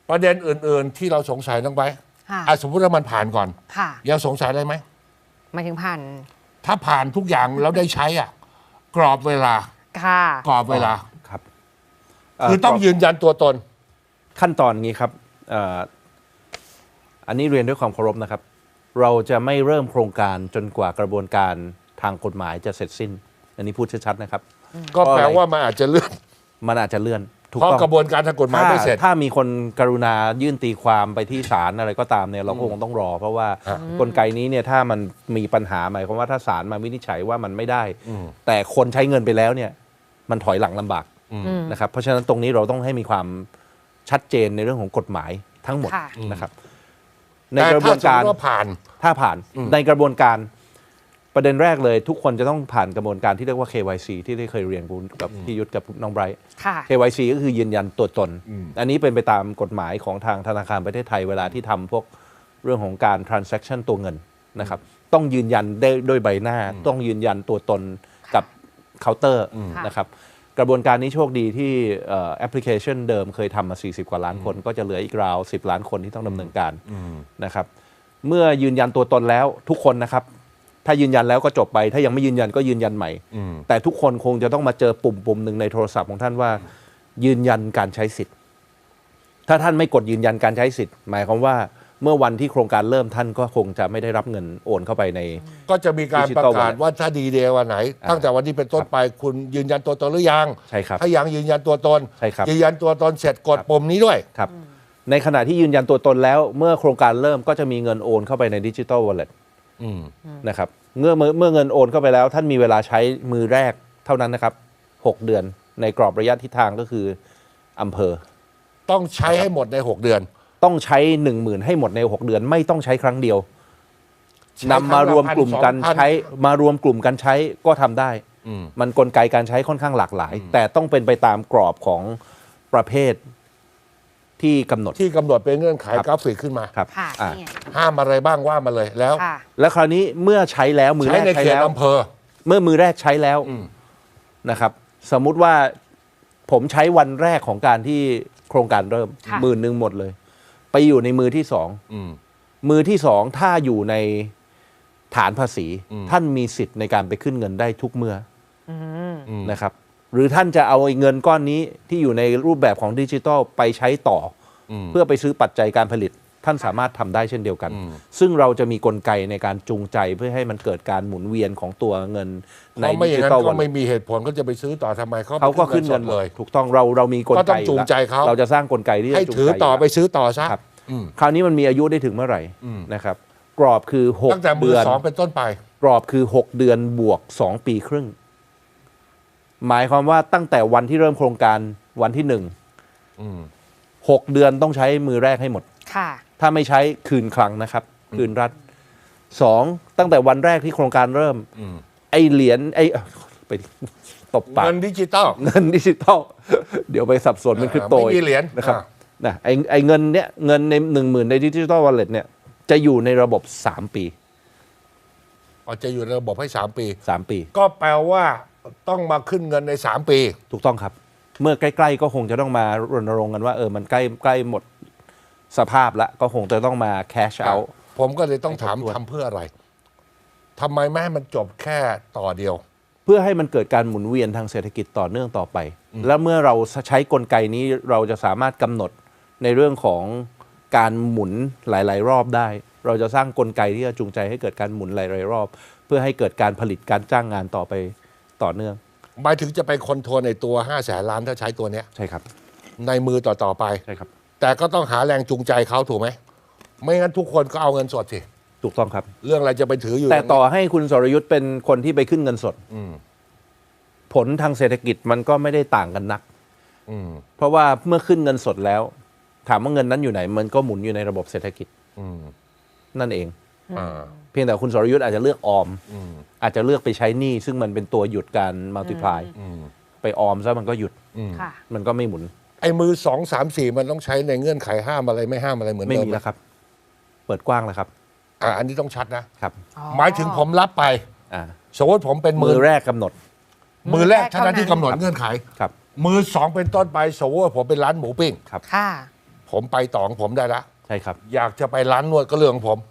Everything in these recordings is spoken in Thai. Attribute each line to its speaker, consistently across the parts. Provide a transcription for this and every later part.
Speaker 1: ประเด็นอื่นๆที่เราสงสัยต้องไปสมมติว่ามันผ่านก่อนยังสงสัยอะไรไหม
Speaker 2: หมายถึงผ่าน
Speaker 1: ถ้าผ่านทุกอย่างแล้วได้ใช้กรอบเวลากรอบเวลา
Speaker 3: ครับ
Speaker 1: คือต้องยืนยันตัวตน
Speaker 3: ขั้นตอนนี้ครับอันนี้เรียนด้วยความเคารพนะครับเราจะไม่เริ่มโครงการจนกว่ากระบวนการทางกฎหมายจะเสร็จสิ้นอันนี้พูดชัดๆนะครับ
Speaker 1: ก็แปลว่ามันอาจจะเลื่อน
Speaker 3: เพราะ
Speaker 1: กระบวนการทางกฎหมายไม่เสร็จ
Speaker 3: ถ้ามีคนกรุณายื่นตีความไปที่ศาลอะไรก็ตามเนี่ยเราคงต้องรอเพราะว่ากลไกนี้เนี่ยถ้ามันมีปัญหาหมายความว่าถ้าศาลมาวินิจฉัยว่ามันไม่ได้แต่คนใช้เงินไปแล้วเนี่ยมันถอยหลังลำบากนะครับเพราะฉะนั้นตรงนี้เราต้องให้มีความชัดเจนในเรื่องของกฎหมายทั้งหมดนะครับ
Speaker 1: ในกระบวนการ
Speaker 3: ถ้าผ่านในกระบวนการประเด็นแรกเลยทุกคนจะต้องผ่านกระบวนการที่เรียกว่า KYC ที่ได้เคยเรียนกับพี่ยุทธกับน้องไบรท์ KYC ก็คือยืนยันตัวตนอันนี้เป็นไปตามกฎหมายของทางธนาคารประเทศไทยเวลาที่ทำพวกเรื่องของการ transaction ตัวเงินนะครับต้องยืนยันได้ด้วยใบหน้าต้องยืนยันตัวตนกับเคาน์เตอร์นะครับกระบวนการนี้โชคดีที่แอปพลิเคชันเดิมเคยทำมา40กว่าล้านคนก็จะเหลืออีกราว10ล้านคนที่ต้องดำเนินการนะครับเมื่อยืนยันตัวตนแล้วทุกคนนะครับถ้ายืนยันแล้วก็จบไปถ้ายังไม่ยืนยันก็ยืนยันใหม่แต่ทุกคนคงจะต้องมาเจอปุ่มหนึ่งในโทรศัพท์ของท่านว่ายืนยันการใช้สิทธิ์ถ้าท่านไม่กดยืนยันการใช้สิทธิ์หมายความว่าเมื่อวันที่โครงการเริ่มท่านก็คงจะไม่ได้รับเงินโอนเข้าไปใน
Speaker 1: ก็จะมีการประกาศว่าถ้าดีเดย์วันไหนตั้งแต่วันนี้เป็นต้นไปคุณยืนยันตัวตนหรือยัง
Speaker 3: ใช่ครับ
Speaker 1: ถ้ายังยืนยันตัวตน
Speaker 3: ใช่ครับ
Speaker 1: ยืนยันตัวตนเสร็จกดปุ่มนี้ด้วย
Speaker 3: ครับในขณะที่ยืนยันตัวตนแล้วเมื่อโครงการเริ่มก็จะมีเงินโอนเข้าไปในดิจิทัลวอลเล็ตนะครับเมื่อเงินโอนเข้าไปแล้วท่านมีเวลาใช้มือแรกเท่านั้นนะครับ6เดือนในกรอบระยะทิศทางก็คืออำเภอ
Speaker 1: ต้องใช้ให้หมดใน6เดือน
Speaker 3: ต้องใช้ 10,000 ให้หมดใน6เดือนไม่ต้องใช้ครั้งเดียวนำมารวมกลุ่มกันใช้ก็ทำได้มันกลไกการใช้ค่อนข้างหลากหลายแต่ต้องเป็นไปตามกรอบของประเภทที่กำหนด
Speaker 1: เป็นเงื่อนไขกราฟิกขึ้นมา
Speaker 3: ครับ
Speaker 1: ห้ามอะไรบ้างว่ามาเลย
Speaker 3: แล้วคราวนี้เมื่อใช้แล้วมือแรก
Speaker 1: ใช้แล้วอำเภอ
Speaker 3: เมื่อมือแรกใช้แล้วนะครับสมมุติว่าผมใช้วันแรกของการที่โครงการเริ่ม10,000หมดเลยไปอยู่ในมือที่สองมือที่สองถ้าอยู่ในฐานภาษีท่านมีสิทธิ์ในการไปขึ้นเงินได้ทุกเมื่อนะครับหรือท่านจะเอาเงินก้อนนี้ที่อยู่ในรูปแบบของดิจิทัลไปใช้ต่อเพื่อไปซื้อปัจจัยการผลิตท่านสามารถทำได้เช่นเดียวกันซึ่งเราจะมีกลไกในการจูงใจเพื่อให้มันเกิดการหมุนเวียนของตัวเงินในดิจิทัล
Speaker 1: ก็ไม่มีเหตุผลก็จะไปซื้อต่อทำไม
Speaker 3: เขาก็ขึ้นเงินเลยถูกต้องเรามีกลไก
Speaker 1: ก็ต้องจูงใจเขา
Speaker 3: เราจะสร้างกลไกที่
Speaker 1: ให้ถือต่อไปซื้อต่อซะ
Speaker 3: คราวนี้มันมีอายุได้ถึงเมื่อไหร่นะครับกรอบคือ6 เดือน
Speaker 1: 2เป็นต้นไป
Speaker 3: กรอบคือ6 เดือนบวก2 ปีครึ่งหมายความว่าตั้งแต่วันที่เริ่มโครงการวันที่6 เดือนต้องใช้มือแรกให้หมดถ้าไม่ใช้คืนคลังนะครับคืนรัฐ2ตั้งแต่วันแรกที่โครงการเริ่มไอเหรียญไปตบปาก
Speaker 1: เงินดิจิตอล
Speaker 3: เดี๋ยวไปสับสนเป็นคริปโต
Speaker 1: ไม่มีเหรียญ
Speaker 3: นะครับนะไอเงินเนี้ยเงินใน10,000ในดิจิทัลวอลเล็ตเนี่ยจะอยู่ในระบบ3 ปี
Speaker 1: จะอยู่ในระบบให้
Speaker 3: 3 ปี
Speaker 1: ก็แปลว่าต้องมาขึ้นเงินใน3 ปี
Speaker 3: ถูกต้องครับเมื่อใกล้ๆก็คงจะต้องมารณรงค์กันว่ามันใกล้หมดสภาพแล้วก็คงจะต้องมาแคชเอา
Speaker 1: ผมก็เลยต้องถามทำเพื่ออะไรทำไมไม่ให้มันจบแค่ต่อเดียว
Speaker 3: เพื่อให้มันเกิดการหมุนเวียนทางเศรษฐกิจต่อเนื่องต่อไปแล้วเมื่อเราใช้กลไกนี้เราจะสามารถกำหนดในเรื่องของการหมุนหลายๆรอบได้เราจะสร้างกลไกที่จะจูงใจให้เกิดการหมุนหลายๆรอบเพื่อให้เกิดการผลิตการจ้างงานต่อไปต่อเนื่อง
Speaker 1: หมายถึงจะไปคอนโทรลในตัว500,000 ล้านถ้าใช้ตัวเนี้ย
Speaker 3: ใช่ครับ
Speaker 1: ในมือต่อไป
Speaker 3: ใช่ครับ
Speaker 1: แต่ก็ต้องหาแรงจูงใจเขาถูกไหมไม่งั้นทุกคนก็เอาเงินสดสิ
Speaker 3: ถูกต้องครับ
Speaker 1: เรื่องอะไรจะไปถืออยู่
Speaker 3: แต่ต่อให้คุณสรยุทธ์เป็นคนที่ไปขึ้นเงินสดผลทางเศรษฐกิจมันก็ไม่ได้ต่างกันนักเพราะว่าเมื่อขึ้นเงินสดแล้วถามว่าเงินนั้นอยู่ไหนมันก็หมุนอยู่ในระบบเศรษฐกิจนั่นเองเพียงแต่คุณสรยุทธ์อาจจะเลือกออมอาจจะเลือกไปใช้หนี้ซึ่งมันเป็นตัวหยุดการมัลติพลายไปออมซะมันก็หยุดมันก็ไม่หมุน
Speaker 1: ไอ้มือ2 3 4มันต้องใช้ในเงื่อนไขห้ามอะไรไม่ห้ามอะไรเหมือนเดิม
Speaker 3: ไม่มีแล้วครับเปิดกว้างแล้วครับ
Speaker 1: อันนี้ต้องชัดนะครับหมายถึงผมรับไปสมมติผมเป็น
Speaker 3: มือแรกกำหนด
Speaker 1: มือแรกเท่านั้นที่กำหนดเงื่อนไข
Speaker 3: ครับ
Speaker 1: มือ2เป็นต้นไปสมมติว่าผมเป็นร้านหมูปิ้ง
Speaker 3: ครับ
Speaker 1: ผมไปต่อของผมได้ละ
Speaker 3: ใช่ครับ
Speaker 1: อยากจะไปร้านนวดก็เรื่องของผม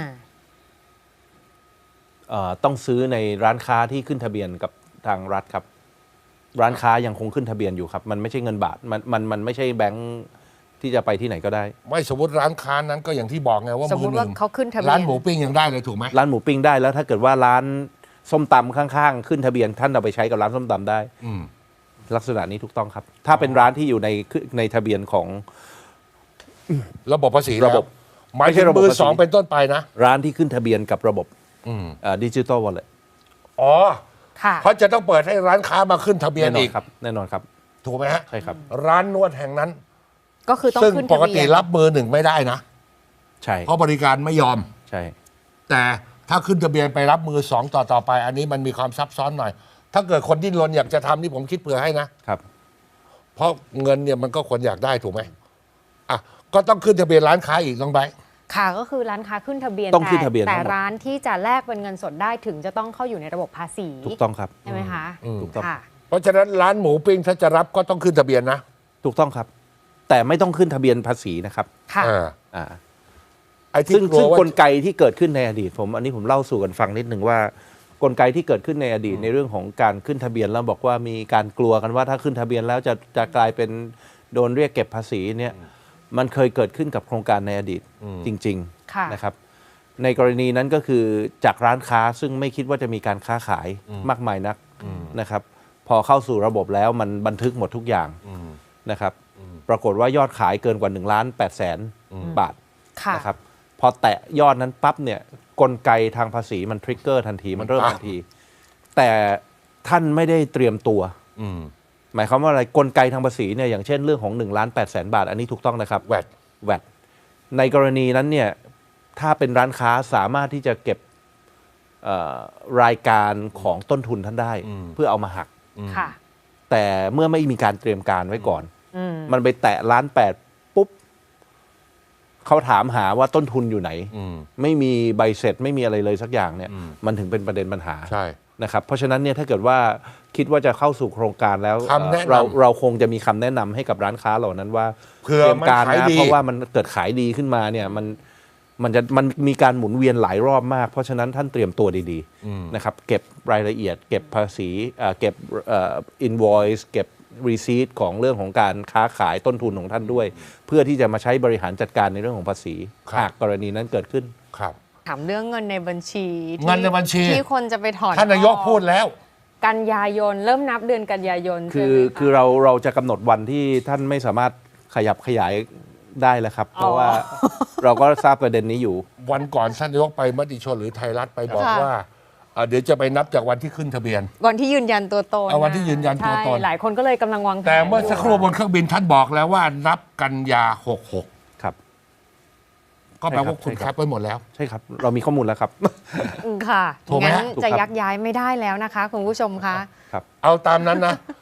Speaker 3: ต้องซื้อในร้านค้าที่ขึ้นทะเบียนกับทางรัฐครับ ร้านค้ายังคงขึ้นทะเบียนอยู่ครับ มันไม่ใช่เงินบาทมันไม่ใช่แบงค์ที่จะไปที่ไหนก็ได้
Speaker 1: ไม่สมมติร้านค้านั้นก็อย่างที่บอกไงว่า
Speaker 2: สมม
Speaker 1: มือ
Speaker 2: ติ
Speaker 1: ห
Speaker 2: ว่า
Speaker 1: นึ่ง
Speaker 2: เขาขึ้นทะเบียน
Speaker 1: ร้านหมูปิ้งยังได้เลยถูกไหม
Speaker 3: ร้านหมูปิ้งได้แล้วถ้าเกิดว่าร้านส้มตำข้างๆขึ้นทะเบียนท่านเอาไปใช้กับร้านส้มตำได้
Speaker 1: อืม
Speaker 3: ลักษณะนี้ถูกต้องครับ ถ้าเป็นร้านที่อยู่ในทะเบียนของ
Speaker 1: ระบบภาษี
Speaker 3: ระบบ
Speaker 1: หมาย
Speaker 3: ไม่ใช่
Speaker 1: ถึง
Speaker 3: ระบบ
Speaker 1: มือ
Speaker 3: ภาษี
Speaker 1: สองเป็นต้นไปนะ
Speaker 3: ร้านที่ขึ้นทะเบียนกับระบบ
Speaker 1: อืม
Speaker 3: ดิจิตอลวอลเล็ต
Speaker 1: อ๋อ
Speaker 2: ค่ะ
Speaker 1: เขาจะต้องเปิดให้ร้านค้ามาขึ้นทะเบียน
Speaker 3: แน่นอ
Speaker 1: อี
Speaker 3: น
Speaker 1: ก
Speaker 3: ครับแน่นอนครับ
Speaker 1: ถูกไหมฮะ
Speaker 3: ใช่ครับ
Speaker 1: ร้านนวดแห่งนั้น
Speaker 2: ก็คือต้อง
Speaker 1: ซึ่ง
Speaker 2: ขึ้น
Speaker 1: ป
Speaker 2: ทะ
Speaker 1: ก
Speaker 2: เบี
Speaker 1: ติ
Speaker 2: ยน
Speaker 1: รับมือหนึ่งไม่ได้นะ
Speaker 3: ใช่
Speaker 1: เพราะบริการไม่ยอม
Speaker 3: ใช่
Speaker 1: แต่ถ้าขึ้นทะเบียนไปรับมือสองต่อไป อันนี้มันมีความซับซ้อนหน่อย ถ้าเกิดคนดิ้นรนอยากจะทำนี่ผมคิดเผื่อให้นะ
Speaker 3: ครับ
Speaker 1: เพราะเงินเนี่ยมันก็ควรอยากได้ถูกไหมอ่ะก็ต้องขึ้นทะเบียนร้านค้าอีกน้องไบร์ท
Speaker 2: ค่ะก็คือร้านค้าขึ้นทะเบียน
Speaker 3: ต้องขึ้นทะเบียน
Speaker 2: แต่
Speaker 3: ทั้งหมด
Speaker 2: ร้านที่จะแลกเป็นเงินสดได้ถึงจะต้องเข้าอยู่ในระบบภาษี
Speaker 3: ถูกต้องครับ
Speaker 2: ใช่ไหมคะ
Speaker 3: ถูกต้อง
Speaker 2: ค่ะ
Speaker 1: เพราะฉะนั้นร้านหมูปิ้งถ้าจะรับก็ต้องขึ้นทะเบียนนะ
Speaker 3: ถูกต้องครับ แต่ไม่ต้องขึ้นทะเบียนภาษีนะครับ
Speaker 2: ค่ะ
Speaker 1: อ่า
Speaker 3: อ่า
Speaker 1: ไอ้ที่
Speaker 3: ซึ่ง
Speaker 1: กลัวว่าก
Speaker 3: ลไกที่เกิดขึ้นในอดีตอันนี้ผมเล่าสู่กันฟังนิดหนึ่งว่า กลไกที่เกิดขึ้นในอดีตในเรื่องของการขึ้นทะเบียนแล้วบอกว่ามีการกลัวกันว่าถ้าขึ้นทะเบียนแล้วจะกลายเป็นโดนเรียกเก็บภาษีเนี่ยมันเคยเกิดขึ้นกับโครงการในอดีตจริง
Speaker 2: ค่ะ
Speaker 3: ๆนะครับ ในกรณีนั้นก็คือจากร้านค้าซึ่งไม่คิดว่าจะมีการค้าขายมากมายนักนะครับ พอเข้าสู่ระบบแล้วมันบันทึกหมดทุกอย่างนะครับ ปรากฏว่ายอดขายเกินกว่า1,800,000 บาท
Speaker 2: ค่ะ
Speaker 3: นะครับพอแตะยอดนั้นปั๊บเนี่ยกลไกทางภาษีมันทริกเกอร์ทันทีมันเริ่มทันที แต่ท่านไม่ได้เตรียมตัว
Speaker 1: อืม
Speaker 3: หมายความว่าอะไรกลไกทางภาษีเนี่ยอย่างเช่นเรื่องของ1,800,000 บาท อันนี้ถูกต้องนะครับ
Speaker 1: แวด
Speaker 3: แวดในกรณีนั้นเนี่ยถ้าเป็นร้านค้าสามารถที่จะเก็บรายการของต้นทุนท่านได้ เพื่อเอามาหัก
Speaker 2: ค่ะ
Speaker 3: แต่เมื่อไม่มีการเตรียมการไว้ก่อน
Speaker 2: อืม
Speaker 3: มันไปแตะ1,800,000ปุ๊บเขาถามหาว่าต้นทุนอยู่ไหน
Speaker 1: อืม
Speaker 3: ไม่มีใบเสร็จไม่มีอะไรเลยสักอย่างเนี่ยมันถึงเป็นประเด็นปัญหา
Speaker 1: ใช่
Speaker 3: นะครับเพราะฉะนั้นเนี่ยถ้าเกิดว่าคิดว่าจะเข้าสู่โครงการแล้ว
Speaker 1: คำแนะนำ
Speaker 3: เราคงจะมีคำแนะนำให้กับร้านค้าเหล่านั้นว่า
Speaker 1: เผื่อ
Speaker 3: เตรียมการ
Speaker 1: มันขาย
Speaker 3: นะ
Speaker 1: ดี
Speaker 3: เพราะว่ามันเกิดขายดีขึ้นมาเนี่ยมันมีการหมุนเวียนหลายรอบมาก เพราะฉะนั้นท่านเตรียมตัวดีๆนะครับเก็บรายละเอียด เก็บภาษีเก็บinvoice เก็บ receipt ของเรื่องของการค้าขายต้นทุนของท่านด้วย เพื่อที่จะมาใช้บริหารจัดการในเรื่องของภาษีหากกรณีนั้นเกิดขึ้น
Speaker 1: ครับ
Speaker 2: ถามเรื่องเงินในบัญชีที่
Speaker 1: เงินในบัญชี
Speaker 2: ที่คนจะไปถอน
Speaker 1: ท่านนายก
Speaker 2: ออ
Speaker 1: พูดแล้ว
Speaker 2: กันยายนเริ่มนับเดือนกันยายน
Speaker 3: คือ
Speaker 2: ใช่ไหมะ
Speaker 3: คือเราจะกำหนดวันที่ท่านไม่สามารถขยับขยายได้แล้วครับ เพราะว่าเราก็ทราบประเด็นนี้อยู่
Speaker 1: วันก่อนท่านนายกไปมติชนหรือไทยรัฐไปบอก
Speaker 2: ค่ะ
Speaker 1: ว่าเดี๋ยวจะไปนับจากวันที่ขึ้นทะเบียน
Speaker 2: วันที่ยืนยันตัวตน
Speaker 1: เอาวันที่ยืนยันตัวตน
Speaker 2: ใช่หลายคนก็เลยกำลังวางแผน
Speaker 1: แต่เมื่อสักครู่บน
Speaker 2: ยู่
Speaker 1: เครื่องบินท่านบอกแล้วว่านับกันยา66
Speaker 3: ครับ
Speaker 1: ก็แปลว่า
Speaker 3: ใช่ครับ
Speaker 1: คุณคัดไว้หมดแล้ว
Speaker 3: ใช่ครับ เรามีข้อมูลแล้วครับ
Speaker 2: ค่ะ
Speaker 1: ถูกไหม
Speaker 2: งั้น
Speaker 1: ฮะ
Speaker 3: ถูก
Speaker 2: จะ
Speaker 3: ครับ
Speaker 2: ยักย้ายไม่ได้แล้วนะคะคุณผู้ชมคะ
Speaker 3: ครับ
Speaker 1: เอาตามนั้นนะ